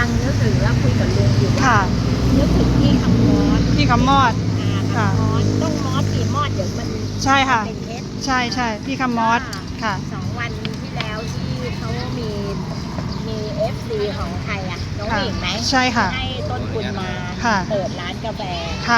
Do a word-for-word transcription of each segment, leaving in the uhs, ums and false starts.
งนึกถึงแล้วคุยกับลุงอยู่ว่านึกถึงพี่คำมอดพี่คำมอดค่ะมอดต้องมอดสีมอดเดี๋ยวมันใช่ค่ะเป็นเท็จใช่ใช่พี่คำมอดค่ะสองวันที่แล้วที่เขามีมีเอฟซีของใครอ่ะน้องหญิงไหมใช่ค่ะให้ต้นทุนมาเปิดร้านกาแฟค่ะ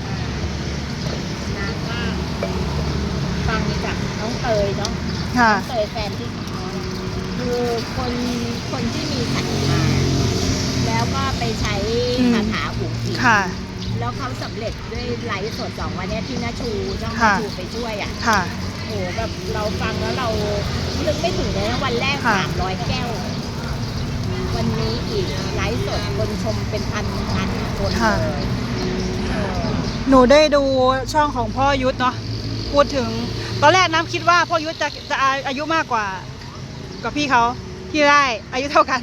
นางก็ฟังจากน้องเตยเนาะค่ะเตยแฟนที่เขาคือคนคนที่มีศรัทธาแล้วก็ไปใช้คาถาอุ๋งอิ๋งแล้วเขาสำเร็จด้วยไลฟ์สดสองวันนี้ที่นาชูน้องนาชูไปช่วยอ่ะโอ้แบบเราฟังแล้วเรานึกไม่ถึงเลยนะวันแรกสามร้อยแก้ววันนี้อีกไลฟ์สดคนชมเป็นพันพันคนเลยหนูได้ดูช่องของพ่อยุทธเนาะพูดถึงตอนแรกน้ำคิดว่าพ่อยุทธจะจะอายุมากกว่ากับพี่เขาที่ได้อายุเท่ากัน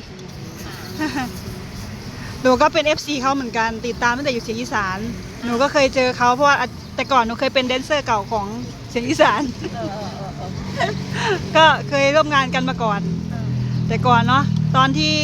หนูก็เป็น เอฟ ซี เขาเหมือนกันติดตามตั้งแต่อยู่เสียงอีสานหนูก็เคยเจอเขาเพราะว่าแต่ก่อนหนูเคยเป็นแดนเซอร์เก่าของเสียงอีสานก็เคยร่วมงานกันมาก่อนแต่ก่อนเนาะตอนที่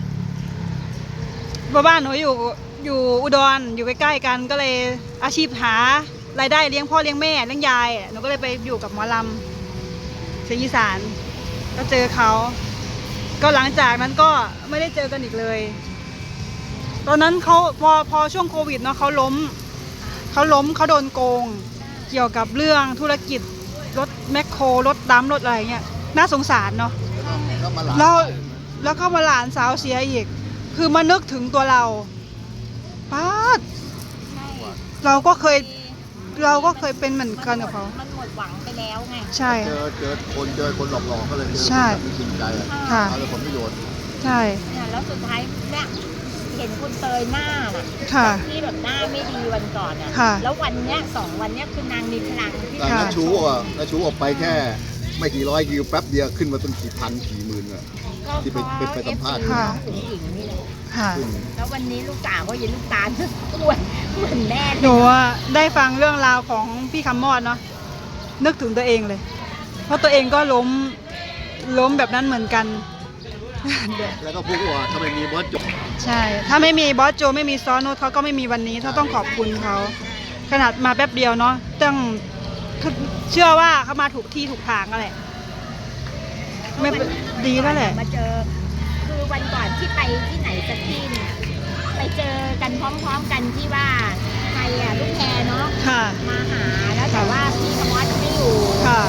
บ้านหนูอยู่อยู่อุดรอยู่ใกล้ๆกันก็เลยอาชีพหารายได้เลี้ยงพ่อเลี้ยงแม่เลี้ยงยายหนูก็เลยไปอยู่กับหมอลำเสียงอีสานก็เจอเขาก็หลังจากนั้นก็ไม่ได้เจอกันอีกเลยตอนนั้นเขาพอพอช่วงโควิดเนาะเขาล้มเขาล้มเขาโดนโกงเกี่ยวกับเรื่องธุรกิจรถแมคโครรถดำรถอะไรเงี้ยน่าสงสารเนาะแล้วแล้วก็มาหลานสาวเสียอีกคือมานึกถึงตัวเราป้าดเราก็เคยเราก็เคยเป็นเหมือนกันกับเขามันหมดหวังไปแล้วไงใช่เจอเจอคนเจอคนหลอกหลอกก็เลยเจอคนจริงใจค่ะเอาผลประโยชน์ใช่เนี่ยแล้วสุดท้ายเนี่ยเห็นคุณเตยหน้าน่ะที่แบบหน้าไม่ดีวันก่อนอ่ะแล้ววันเนี้ยสองวันเนี้ยคือนางมีพลังที่น้าชูอ่ะน้าชูออกไปแค่ไม่กี่ร้อยกิโลแป๊บเดียวขึ้นมาต้นกี่พันกี่หมื่นอ่ะที่ไปไปสัมภาษณ์ค่ะแล้ววันนี้ลูกสาวก็ยังลูกตาลอ้วนเหมือนแม่หนูได้ฟังเรื่องราวของพี่คำมอดเนาะนึกถึงตัวเองเลยเพราะตัวเองก็ล้มล้มแบบนั้นเหมือนกันแล้วก็พูดว่าถ้าไม่มีบอสโจใช่ถ้าไม่มีบอสโจไม่มีซอโนเขาก็ไม่มีวันนี้เขาต้องขอบคุณเขาขนาดมาแป๊บเดียวเนาะต้องเชื่อว่าเขามาถูกที่ถูกทางก็แหละไม่ดีแล้วแหละมาเจอคือวันก่อนที่ไปที่ไหนสักที่นึงไปเจอกันพร้อมๆกันที่ว่าใครอ่ะลูกแพรเนาะมาหาแล้วแต่ว่าพี่คำมอดไม่อยู่ค่ะ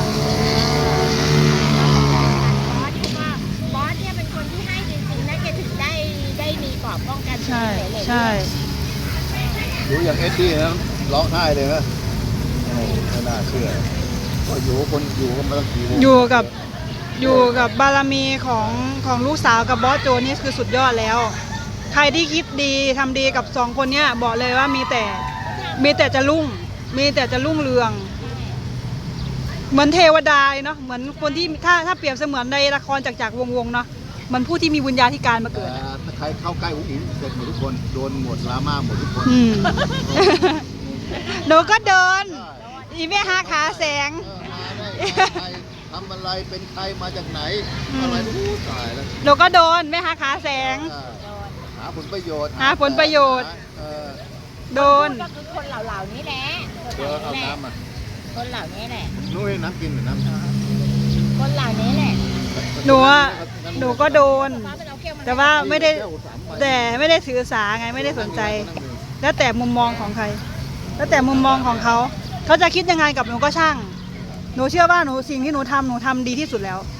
บอสก็บอสเนี่ยเป็นคนที่ให้จริงๆนะแกถึงได้ได้มีกรอบป้องกันใช่ใช่ดูอย่างเอ็ดดี้นะร้องไห้เลยนะไม่น่าเชื่อก็อยู่คนอยู่กันมาตั้งกี่วันอยู่กับอยู่กับบารมีของของลูกสาวกับบอสโจนี่คือสุดยอดแล้วใครที่คิดดีทำดีกับสองคนเนี้ยบอกเลยว่ามีแต่มีแต่จะรุ่งมีแต่จะรุ่งเรืองเหมือนเทวดาเนาะเหมือนคนที่ถ้าถ้าเปรียบเสมือนในละครจากจากวงวงเนาะมันผู้ที่มีวิญญาณที่การมาเกิดถ้าใครเข้าใกล้อุ้งอิงเสร็จหมดทุกคนโดนหมดลาม่าหมดทุกคนหนูก็เดินอีแม่หาขาแสงทำอะไรเป็นใครมาจากไหนอะไรรู้ตายแล้วหนูก็โดนแม่หาขาแสงหาผลประโยชน์หาผลประโยชน์โดนก็คือคนเหล่าๆนี้แหละเจอเอาน้ำอ่ะคนเหล่านี้แหละนู้นน้ำกินหรือน้ำคนเหล่านี้แหละหนูอ่ะหนูก็โดนแต่ว่าไม่ได้แต่ไม่ได้ถือสาไงไม่ได้สนใจแล้วแต่มุมมองของใครแล้วแต่มุมมองของเขาเขาจะคิดยังไงกับหนูก็ช่างหนูเชื่อว่าหนูสิ่งที่หนูทำหนูทำดีที่สุดแล้ว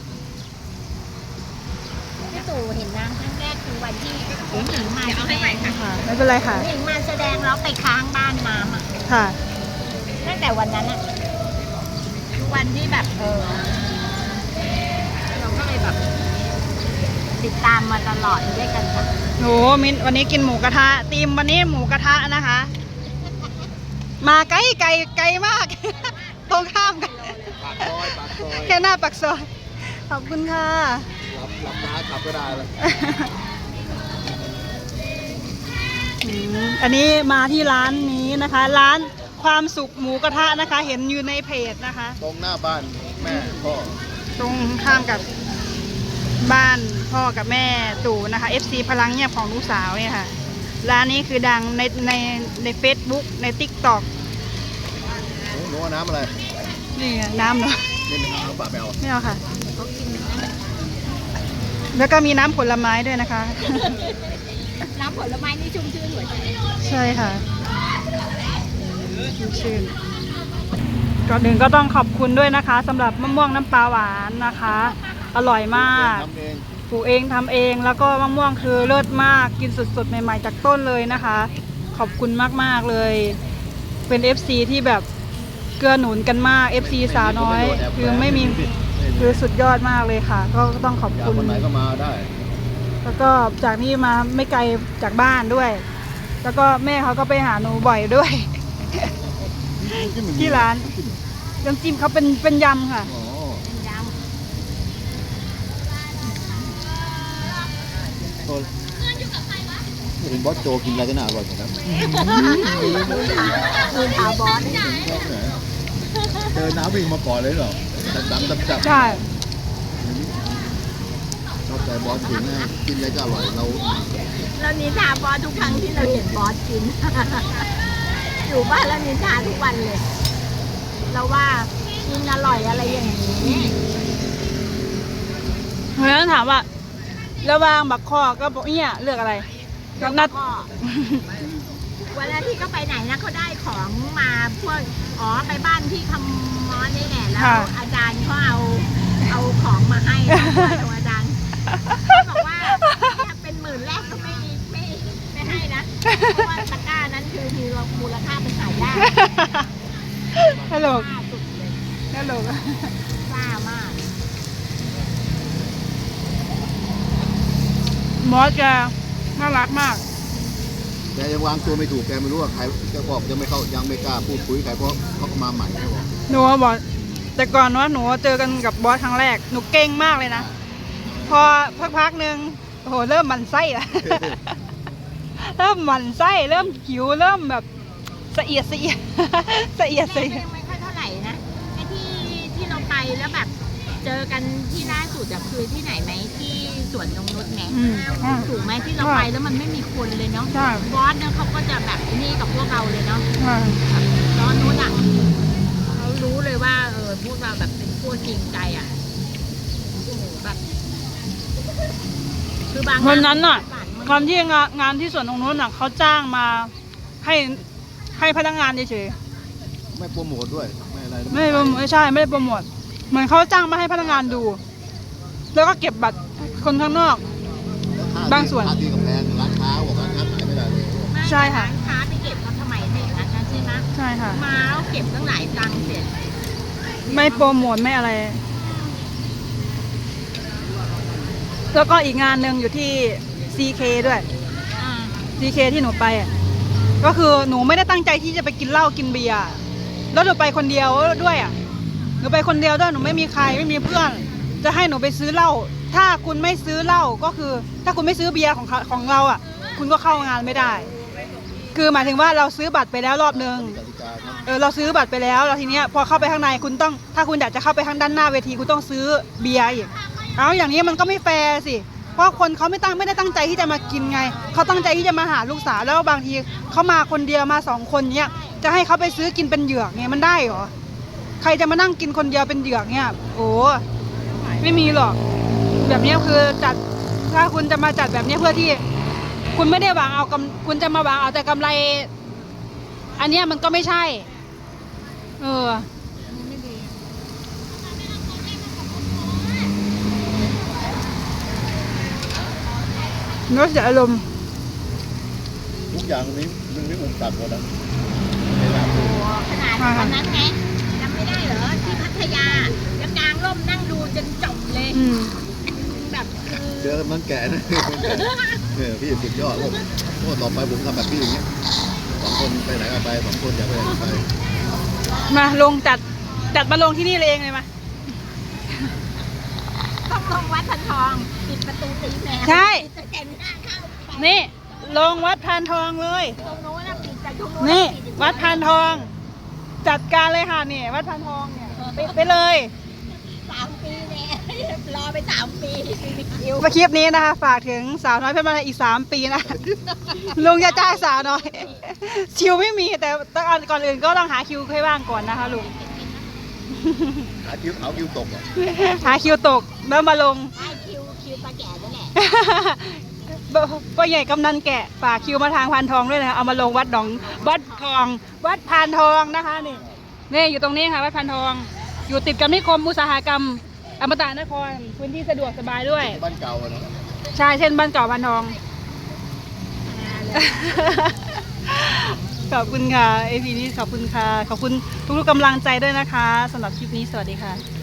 พี่ตู่เห็นนางครั้งแรกคือวันที่หญิงมาแสดงค่ะไม่เป็นไรค่ะหญิงมาแสดงแล้วไปค้างบ้านน้ำอ่ะค่ะตั้งแต่วันนั้นอะวันที่แบบเออเราก็เลยแบบติดตามมาตลอดด้วยกันค่ะโหมินวันนี้กินหมูกระทะตีมวันนี้หมูกระทะนะคะมาไกลไกลไกลมากตรงข้ามกันแค่หน้าปากซอยขอบคุณค่ะหลับหลับน้าขับก็ได้เลยอันนี้มาที่ร้านนี้นะคะร้านความสุขหมูกระทะนะคะเห็นอยู่ในเพจนะคะตรงหน้าบ้านแม่พ่อตรงข้ามกับบ้านพ่อกับแม่ตู่นะคะ เอฟ ซี พลังเงียบของลูกสาวเนี่ยค่ะร้านนี้คือดังในในใน Facebook ใน TikTok หนูเอาน้ำอะไรนี่ไงน้ำเนาะนี่เป็นน้ำปลาแมวไม่เอาค่ะ แล้วก็มีน้ำผลไม้ด้วยนะคะน้ำผลไม้นี่ชุ่มชื่นหัวใจใช่ค่ะชุ่มชื่นก่อนอื่นก็ต้องขอบคุณด้วยนะคะสำหรับมะม่วงน้ำปลาหวานนะคะ อร่อยมากทำเองปลูกเองทำเองแล้วก็มะม่วงคือเลิศมากกินสดๆใหม่ๆจากต้นเลยนะคะ ขอบคุณมากๆเลย เป็น เอฟ ซี ที่แบบเกื้อหนุนกันมาก เอฟ ซี สาวน้อย คือไม่มีคือสุดยอดมากเลยค่ะ ก็ต้องขอบอยากคุณคนไหนก็มาได้แล้วก็จากนี้มาไม่ไกลจากบ้านด้วย แล้วก็แม่เขาก็ไปหาหนูบ่อยด้วย ที่ร้านน้ำจิ้มเขาเป็นเป็นยำค่ะอ๋อเป็นยโอ้ยเห็นบอสโจกินอะไรก็น่าอร่อยเหมือนกันำคืนถาวบอสเจอน้ำวิ่งมาก่อนเลยเหรอจับจับจับจับใช่ชอบใจบอสถึงนะกินอะไรก็อร่อยเราเรานินทาบอสทุกครั้งที่เราเห็นบอสกิน อยู่บ้านแล้วนินทาทุกวันเลย เราว่ากินอร่อยอะไรอย่างนี้เพราะฉะนั้นถามว่าระหว่างบักคอก็บอกเนี่ยเลือกอะไรก็นัดก็เวลาที่เขาไปไหนนะเขาได้ของมาพวกอ๋อไปบ้านที่คำมอสนี่แหละแล้วอาจารย์เขาเอาเอาของมาให้ของอาจารย์บอกว่าเนี่ยเป็นหมื่นแรกก็ไม่ไม่ไม่ให้นะเพราะว่าตะกร้านั้นคือมีมูลค่าเป็นขายยากฮัลโหลกล้าสุดเลยฮัลโหลกล้ามากมอสแกน่ารักมากแกยังวางตัวไม่ถูกแกไม่รู้ว่าใครแกบอกยังไม่เข้ายังไม่กล้าพูดคุยใครเพราะเขาก็มาใหม่แกบอกหนูบอกแต่ก่อนว่าหนูเจอกันกับบอสครั้งแรกหนูเก่งมากเลยนะ พอพักๆหนึ่งโอ้โหเริ่มหมันไส้ละ เริ่มหมันไส้เริ่มหิวเริ่มแบบสะเอียดสะเอียด สะเอียดสะไม่เอียดไม่ค่อยเท่าไหร่นะไอ้ที่ที่เราไปแล้วแบบเจอกันที่ล่าสุดอะคือที่ไหนไหมที่สวนนงนุชไงอืมอ่าถูกไหมที่เราไปแล้วมันไม่มีคนเลยเนาะใช่บอสเนี่ยเขาก็จะแบบนี่กับพวกเราเลยเนาะอ่าตอนนู้นอะเขารู้เลยว่าเออพวกเราแบบเป็นพวกจริงใจอะโอ้โหแบบคือบางวันนั้นน่ะฝันมันตอนที่งานงานที่สวนตรงนู้นน่ะเขาจ้างมาให้ให้พนักงานเฉยไม่โปรโมทด้วยไม่อะไรๆไม่ได้โปรโมทไม่ใช่ไม่ได้โปรโมทเหมือนเขาจ้างมาให้พนักงานดู แล้วก็เก็บบัตรคนข้างนอก บางส่วนค่าที่กำแพงร้านค้าบอกร้านค้าขายไม่ได้เลยไม่ใช่ค่ะร้านค้าไปเก็บเขาทำไมให้อย่างนั้นนะใช่ไหมใช่ค่ะมาแล้วเก็บตั้งหลายตังค์เสร็จไม่โปรโมทไม่อะไร แล้วก็อีกงานหนึ่งอยู่ที่ ซี เค ด้วยอ่าซี เค ที่หนูไปอ่ะก็คือหนูไม่ได้ตั้งใจที่จะไปกินเหล้ากินเบียร์แล้วหนูไปคนเดียวด้วยอ่ะหนูไปคนเดียวด้วยหนูไม่มีใครไม่มีเพื่อน จะให้หนูไปซื้อเหล้าถ้าคุณไม่ซื้อเหล้าก็คือ ถ้าคุณไม่ซื้อเบียร์ของเขาของเราอ่ะ คุณก็เข้างานไม่ได้ คือหมายถึงว่าเราซื้อบัตรไปแล้วรอบนึงกติกาครับเออเราซื้อบัตรไปแล้วแล้วทีเนี้ยพอเข้าไปข้างในคุณต้องถ้าคุณอยากจะเข้าไปข้างด้านหน้าเวทีคุณต้องซื้อเบียร์อีกเอาอย่างนี้มันก็ไม่แฟร์สิเพราะคนเขาไม่ตั้งไม่ได้ตั้งใจที่จะมากินไงเขาตั้งใจที่จะมาหาลูกสาวแล้วบางทีเขามาคนเดียวมาสองคนเนี้ยจะให้เขาไปซื้อกินเป็นเหยือกเนี่ยมันได้เหรอใครจะมานั่งกินคนเดียวเป็นเหยือกเนี่ยโอ้ไม่มีหรอกแบบนี้คือจัดถ้าคุณจะมาจัดแบบนี้เพื่อที่ คุณไม่ได้หวังเอากำคุณจะมาหวังเอาแต่กำไร อันเนี้ยมันก็ไม่ใช่ เออเนื้อเสียอารมณ์ทุกอย่างนี้มันไม่อุปสรรคหมดนะเวลาพูดโอ้ขนาดวันนั้นไงจำไม่ได้เหรอที่พัทยาแล้วกลางร่มนั่งดูจนจบเลยอืมแบบคือเจอมันแก่นะคนแก่เนี่ยพี่สุดยอดเลยโอ้ต่อไปผมทำแบบพี่อย่างเงี้ยสองคนไปไหนก็ไปสองคนอยากไปไหนก็ไปมาลงจัดจัดมาลงที่นี่เลยเองเลยมาต้องลงวัดพันทองปิดประตูตีแมวใช่ปิดแต่แต่หน้าเข้าไปนี่ลงวัดพานทองเลยตรงโน้นนะปิดแต่ตรงโน้นนี่ปิวัดพานทอง จัดการเลยค่ะนี่วัดพานทองเนี่ยไปไปเลยสามปีเนี่ยรอไปสามปีไม่มีคิวมาคลิปนี้นะคะ ฝากถึงสาวน้อยเพชรบ้านแพงอีกสามปีนะ ลุงจะจ้างสาวน้อยคิวไม่มีแต่ต้องก่อนอื่นก็ต้องหาคิวให้ว่างก่อนนะคะลุงหาคิวเอาคิวตกอ่ะหาคิวตกแล้วมาลงให้คิวคิวตาแก่นั่นแหละพ่อใหญ่กำนันแกะฝากคิวมาทางพานทองด้วยนะคะเอามาลงวัดหนองวัดทองวัดพานทองนะคะนี่นี่อยู่ตรงนี้ค่ะวัดพานทอง อยู่ติดกับนิคมอุตสาหกรรมอมตะนครพื้นที่สะดวกสบายด้วยบ้านเก่าอะเนาะใช่เช่นบ้านเก่าพานทอง ขอบคุณค่ะเอพีนี้ขอบคุณค่ะขอบคุณทุกๆกำลังใจด้วยนะคะสำหรับคลิปนี้สวัสดีค่ะ